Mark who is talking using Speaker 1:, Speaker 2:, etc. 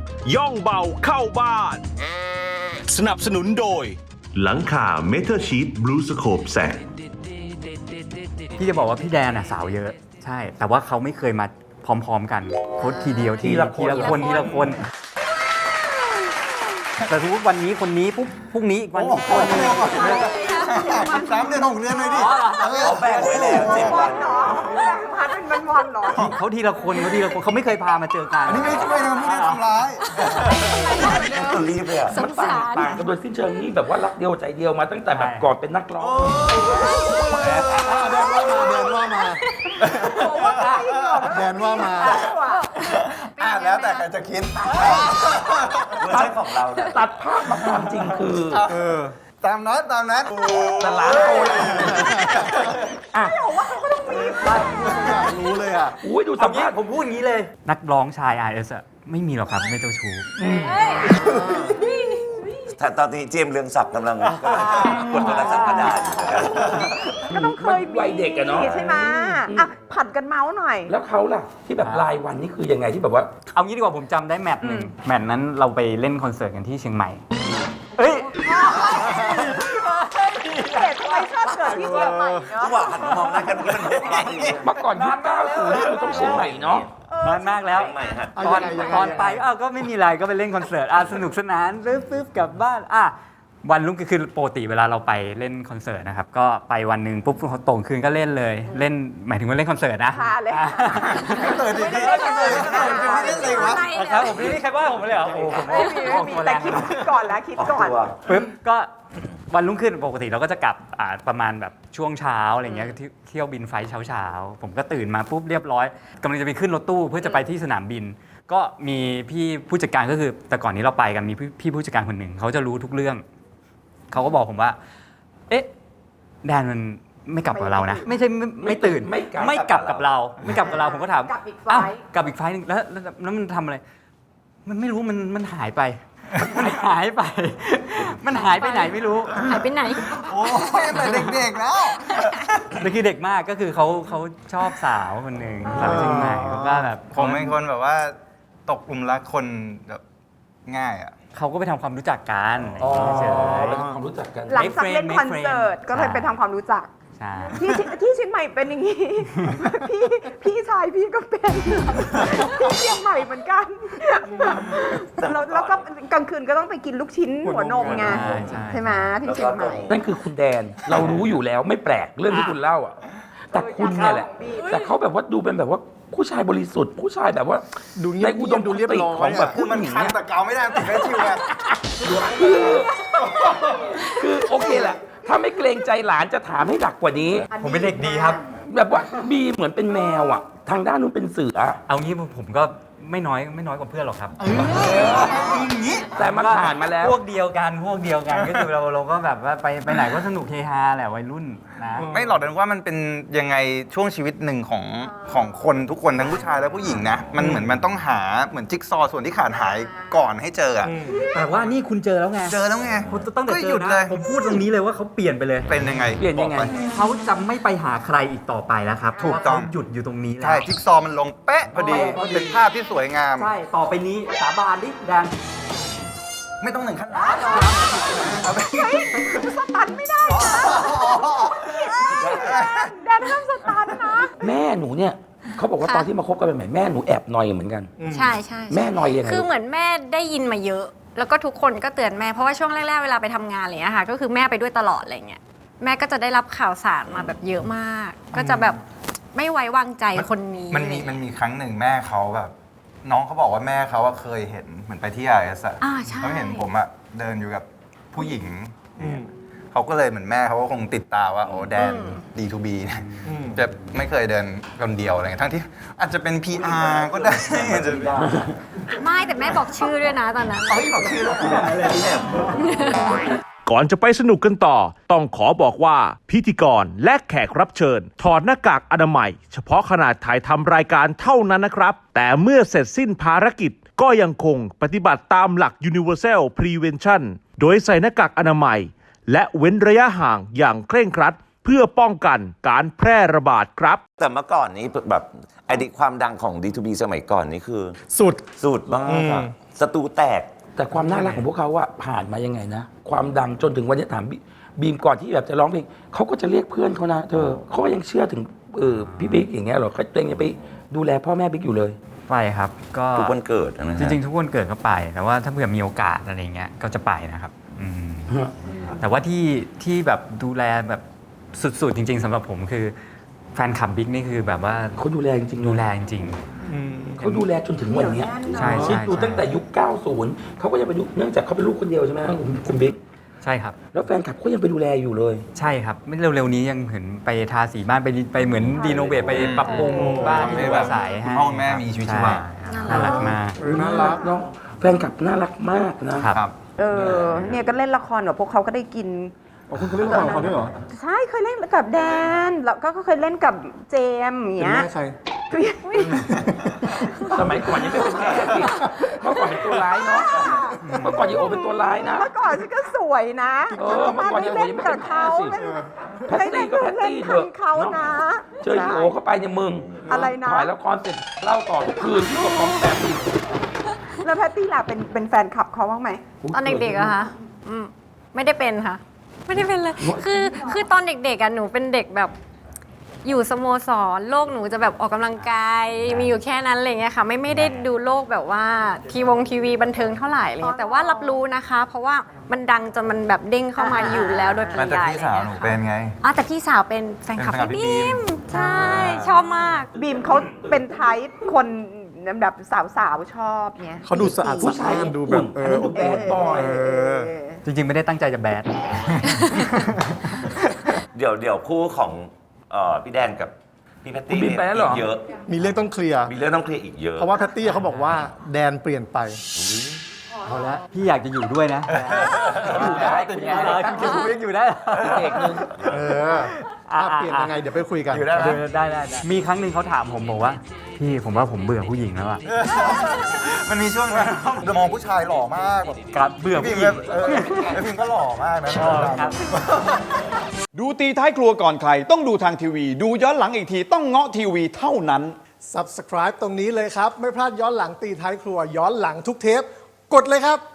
Speaker 1: ย่องเบาเข้าบ้านสนับสนุนโดยหลังคาเมทัลชีทบลูสโคปแสง
Speaker 2: พี่จะบอกว่าพี่แดนสาวเยอะใช่แต่ว่าเขาไม่เคยมาพร้อมๆกันโค้ชทีเดียวทีละคนแต่ทุกวันนี้คนนี้ปุ๊บพรุ่งนี้อีกวันคนนึง
Speaker 3: 3 เดือน 6 เดือนเลยดิ
Speaker 4: เขาแบ่งไว้แล้ว7 วัน
Speaker 5: พัดเป็นวันๆหรอ
Speaker 2: เขาทีละคนเขาไม่เคยพามาเจอกัน
Speaker 3: อันนี้ไม่ช่วยนะไม่ได้ทำร้าย
Speaker 4: คนรีบเลยอ่ะ
Speaker 5: สงสาร
Speaker 6: ต่างกันโดยสิ้นเชิงนี่แบบว่ารักเดียวใจเดียวมาตั้งแต่แบบก่อนเป็นนักร้อง
Speaker 3: แดนว่ามาแล้วแต่ใครจะคิด
Speaker 4: เวอร์ชันของเราเนี่ย
Speaker 6: ตัดภาพมาความจริงคือ
Speaker 3: ตามนั้น
Speaker 6: แต่ร้านโตเลย
Speaker 3: รู้เลยอ่ะ
Speaker 6: อุ้ยดูสัมภาษณ์
Speaker 2: ผมพูดอย่างนี้เลยนักร้องชาย RS ไม่มีหรอกครับไม่เจ้าชู้
Speaker 4: ตอนนี้เจมส์เรืองศักดิ์กำลังกดโทรศัพท์กระดาษ
Speaker 5: ก็ต้องเคยมี
Speaker 6: วัยเด็กอะเนาะ
Speaker 5: ใช่ไหมอ่ะผัดกันเมาส์หน่อย
Speaker 6: แล้วเขาล่ะที่แบบรายวันนี่คือยังไงที่แบบว่า
Speaker 2: เอางี้ดีกว่าผมจำได้แมตช์หนึ่งแมตช์นั้นเราไปเล่นคอนเสิร์ตกันที่เชียงใหม่เฮ้ย
Speaker 5: เด็กทำไมชอบเกิดที่เชียงใหม่เนาะ
Speaker 4: ระหว่างหันมามองหน้ากันมันเป็นอะไร
Speaker 6: เมื่อก่อนยุค90นี่คือต้องเชียงใหม่เนาะ
Speaker 2: นานมากแล้วตอนไปก็ไม่มีอะไรก็ไปเล่นคอนเสิร์ตสนุกสนานปึ๊บกลับบ้านวันรุ่งคือปกติเวลาเราไปเล่นคอนเสิร์ตนะครับก็ไปวันหนึ่งปุ๊บเขาตรงคืนก็เล่นเลยเล่นหมายถึงว่าเล่นคอนเสิร์ตนะ
Speaker 5: ค่ะเลย
Speaker 3: ไม่ได้เล่นเลยวะ
Speaker 2: ครับผมไม่ได้ใครว่าผมเลยเหรอโอ้ผม
Speaker 5: มีแต่คิดก่อนแล้วคิดก่อน
Speaker 2: ปึ๊บก็วันรุ่งขึ้นปกติเราก็จะกลับประมาณแบบช่วงเช้าอะไรเงี้ยเที่ยวบินไฟล์เช้าผมก็ตื่นมาปุ๊บเรียบร้อยกำลังจะไปขึ้นรถตู้เพื่อจะไปที่สนามบินก็มีพี่ผู้จัดการก็คือแต่ก่อนนี้เราไปกันมีพี่ผู้จัดการคนหนึ่งเขาจะรู้ทุกเรื่องเขาก็บอกผมว่าเอ๊ะแดนมันไม่กลับกับเรานะไม่ใช่ไม่ตื่นไม่กลับกับเราผมก็ถาม
Speaker 5: กลับอีกไฟล์
Speaker 2: กลับอีกไฟล์นึงแล้วมันทำอะไรมันไม่รู้มันหายไปมันหายไปไหนไม่รู้
Speaker 5: หายไปไหน
Speaker 3: โอ้ยแต่เด็กๆแล้ว
Speaker 2: แต่คือเด็กมากก็คือเขาชอบสาวคนหนึ่งสาวเชียงใหม่ก็แบบ
Speaker 3: ผมเป็นคนแบบว่าตกหลุมรักคนแบบง่ายอ่ะ
Speaker 2: เขาก็ไปทำความรู้จักกันเฉย
Speaker 6: ไปทำความรู้จักกัน
Speaker 5: หลังจากเล่นคอนเสิร์ตก็เลยไปทำความรู้จักที่เชียงใหม่เป็นอย่างนี้พี่ชายพี่ก็เป็นที่เชียงใหม่เหมือนกันแล้วก็กลางคืนก็ต้องไปกินลูกชิ้นหัวนมไงใช่ไหมที่เชียงใหม่
Speaker 6: นั่นคือคุณแดนเรารู้อยู่แล้วไม่แปลกเรื่องที่คุณเล่าอ่ะแต่คุณเนี่ยแหละแต่เขาแบบว่าดูเป็นแบบว่าผู้ชายบริสุทธิ์ผู้ชายแบบว่าในอุดมคติของแบบผู้หญิงเนี่ย
Speaker 3: แต่เกาไม่ได้ติดแค่ชิวไง
Speaker 6: คือโอเคแหละถ้าไม่เกรงใจหลานจะถามให้หนักกว่านี้
Speaker 2: ผมเป็นเด็กดีครับ
Speaker 6: แบบว่าบีเหมือนเป็นแมวอ่ะทางด้านนู้นเป็นเสือ
Speaker 2: เอางี้ผมก็ไม่น้อยกว่าเพื่อนหรอกครับ
Speaker 6: แต่มันผ่านมาแล้ว
Speaker 2: พวกเดียวกันก็คือเราก็แบบว่าไปไหนก็สนุกเฮฮาแหละวัยรุ่นนะ
Speaker 3: ไม่หรอกแต่ว่ามันเป็นยังไงช่วงชีวิตหนึ่งของคนทุกคนทั้งผู้ชายและผู้หญิงนะมันเหมือนมันต้องหาเหมือนจิ๊กซอว์ส่วนที่ขาดหายก่อนให้เจอ
Speaker 2: แต่ว่านี่คุณเจอแล้วไงตั้งแต่เจอนะผมพูดตรงนี้เลยว่าเขาเปลี่ยนไปเลย
Speaker 3: เป็นยังไง
Speaker 2: เขาจะไม่ไปหาใครอีกต่อไปแล้วครับ
Speaker 3: ถูกต้อง
Speaker 2: หยุดอยู่ตรงนี้แล้ว
Speaker 3: ใช่จิ๊กซอว์มันลงเป๊ะพอดีเป็นภาพที่สวยงาม
Speaker 2: ใช่ต่อไปนี้สาบานดิแดง
Speaker 3: ไม่ต้องหนึ่งขั้น
Speaker 5: สตันไม่ได้แดนห้ามสตันนะ
Speaker 6: แม่หนูเนี่ยเขาบอกว่าตอนที่มาคบกันใหม่แม่หนูแอบนอยเหมือนกัน
Speaker 7: ใช่
Speaker 6: แม่นอยยังไง
Speaker 7: คือเหมือนแม่ได้ยินมาเยอะแล้วก็ทุกคนก็เตือนแม่เพราะว่าช่วงแรกๆเวลาไปทำงานอะไรเงี้ยค่ะก็คือแม่ไปด้วยตลอดอะไรเงี้ยแม่ก็จะได้รับข่าวสารมาแบบเยอะมากก็จะแบบไม่ไว้วางใจคนนี้
Speaker 3: มันมีครั้งหนึ่งแม่เขาแบบน้องเขาบอกว่าแม่เขาเคยเห็นเหมือนไปที่RSเขาเห็นผมเดินอยู่กับผู้หญิงเขาก็เลยเหมือนแม่เขาก็คงติดตาว่าโอ้แดน D2B จะไม่เคยเดินคนเดียวอะไรเงี้ยทั้งที่อาจจะเป็น PR ก็ได้
Speaker 7: ไม่แต่แม่บอกชื่อด้วยนะตอนนั้น
Speaker 3: บอกชื่อแล้ว
Speaker 1: ก่อนจะไปสนุกกันต่อต้องขอบอกว่าพิธีกรและแขกรับเชิญถอดหน้ากากอนามัยเฉพาะขณะถ่ายทำรายการเท่านั้นนะครับแต่เมื่อเสร็จสิ้นภารกิจก็ยังคงปฏิบัติตามหลัก Universal Prevention โดยใส่หน้ากากอนามัยและเว้นระยะห่างอย่างเคร่งครัดเพื่อป้องกันการแพร่ระบาดครับ
Speaker 4: แต่เมื่อก่อนนี้แบบความดังของ D2B สมัยก่อนนี่คือสุดมากศัตรูแตก
Speaker 6: แต่ความน่ารักของพวกเขาอะผ่านมายังไงนะความดังจนถึงวันนี้ถามบีมก่อนที่แบบจะร้องเพลงเขาก็จะเรียกเพื่อนเขานะเธอเขาก็ยังเชื่อถึงพี่บิ๊กอย่างเงี้ยเหรอเขาเองยังไปดูแลพ่อแม่บิ๊กอยู่เลย
Speaker 2: ไปครับก็
Speaker 4: ทุกวันเกิดนะฮะ
Speaker 2: จริงๆทุกวันเกิดก็ไป แต่ว่าถ้าเผื่อมีโอกาสอะไรเงี้ยก็จะไปนะครับแต่ว่าที่แบบดูแลแบบสุดๆจริง ๆสำหรับผมคือแฟนคลับบิ๊กนี่คือแบบว่า
Speaker 6: เขาดูแลจริงๆ
Speaker 2: ดูแลจริง
Speaker 6: เขาดูแลจนถึงวันเนี้ย
Speaker 2: ใช่ใช่
Speaker 6: คิดดูตั้งแต่ยุค 90 เขาก็ยังไปดูเนื่องจากเขาเป็นลูกคนเดียวใช่ไหมครับคุณบิ๊ก
Speaker 2: ใช่ครับ
Speaker 6: แล้วแฟนคลับก็ยังไปดูแลอยู่เลย
Speaker 2: ใช่ครับไม่เร็วๆนี้ยังเห็นไปทาสีบ้านไปเหมือนรีโนเวทไปปรับปรุงบ้านที่อยู่อาศัย
Speaker 3: คุณพ่อคุณแม่มีชีวิตชีวา
Speaker 2: ใช่น่ารักมาก
Speaker 6: น่ารักเนาะแฟนคลับน่ารักมากนะครับ
Speaker 5: เนี่ยก็เล่นละครกับพวกเขาก็ได้กิน
Speaker 8: คุณเคยเล่นละครกับเขาด้วยเหรอ
Speaker 5: ใช่เคยเล่นกับแดนแล้วก็เคยเล่นกับเจมส์อย่าง
Speaker 8: เป็น
Speaker 5: เงี้ย
Speaker 8: แม่ใคร
Speaker 6: สมัยก่อนยังไม่เป็นแม่สิเมื่อก่อนเป็นตัวร้ายเนาะเมื่อก่อนยังโอเป็นตัวร้ายนะ
Speaker 5: เมื่อก่อนฉันก็สวยนะ
Speaker 6: เมื่อก่อนยังโอยังไม่เป็นแม่สิแพตตี้ก็แพตตี้เถอะ
Speaker 5: เขา
Speaker 6: เนาะ
Speaker 5: นะ
Speaker 6: เจออีโอเข้าไปเนี่ยมึง
Speaker 5: อะไรนะ
Speaker 6: ถ่ายละครเสร็จเล่าต่อทุกคืนที่กับของแปมอีก
Speaker 5: แล้วแพตตี้ล่ะเป็นแฟนคลับเขาบ้างไหม
Speaker 7: ตอนเด็กๆอะคะไม่ได้เป็นค่ะ ไม่ได้เป็นเลย คือตอนเด็กๆอะหนูเป็นเด็กแบบอยู่สโมสรโลกหนูจะแบบออกกำลังกายมีอยู่แค่นั้นอะไรเงี้ยค่ะไม่ได้ดูโลกแบบว่าทีวีบันเทิงเท่าไหร่อะไรเลยแต่ว่ารับรู้นะคะ เพราะว่ามันดังจนมันแบบเด้งเข้ามาอยู่แล้วโดยปริ
Speaker 3: แต่
Speaker 7: ยาย
Speaker 3: พี่สาวหนูเป็นไง
Speaker 7: แต่พี่สาวเป็นแฟนคลับ
Speaker 3: เป็นแฟนคลับพี่
Speaker 7: พี่
Speaker 3: บี
Speaker 7: บี
Speaker 3: ม
Speaker 7: มใช่ชอบมาก
Speaker 5: บีมเขาเป็นไทป์คนแบบสาวๆชอบเนี่ย
Speaker 8: เขาดูสะอาด
Speaker 6: ผู้ชาย
Speaker 8: ดูแบบ
Speaker 6: อันนั้นดูแบดบอย
Speaker 2: จริงๆไม่ได้ตั้งใจจะแบด
Speaker 4: เดี๋ยวคู่ของพี่แดนกับพี่แพตตี้
Speaker 6: คุณบีมไปแล้วเหรอ
Speaker 4: กเยอะ
Speaker 8: มีเรื่องต้องเคลียร์
Speaker 4: มีเรื่องต้องเคลียร์อีกเยอะ
Speaker 8: เพราะว่าแพตตี้เขาบอกว่าแดนเปลี่ยนไป
Speaker 2: เอาละพี่อยากจะอยู่ด้วยนะ
Speaker 6: อยู่ได้คุณยาย
Speaker 2: ยังอยู่ได้
Speaker 6: เอกนึง
Speaker 8: เออถ้าเปลี่ยนยังไงเดี๋ยวไปคุยกัน
Speaker 3: อยู่ได้ไหม
Speaker 2: ได้มีครั้งหนึ่งเขาถามผมบอกว่าพี่ผมว่าผมเบื่อผู้หญิงแล้วอะ
Speaker 3: มันมีช่วงนั้นจะมองผู้ชายหล่อมากแบบ
Speaker 2: ครับเบื่อ
Speaker 3: พี่
Speaker 2: ผู้
Speaker 3: พิ
Speaker 2: ห
Speaker 3: ม
Speaker 2: ญิง
Speaker 3: แล้วพิมก็หล่อมากนะ
Speaker 2: ครับ
Speaker 9: ดูตีท้ายครัวก่อนใครต้องดูทางทีวี ดูย้อนหลังอีกทีต้องเงาะทีวีเท่านั้น
Speaker 8: Subscribe ตรงนี้เลยครับ ไม่พลาดย้อนหลังตีท้ายครัวย้อนหลังทุกเทป กดเลยครับ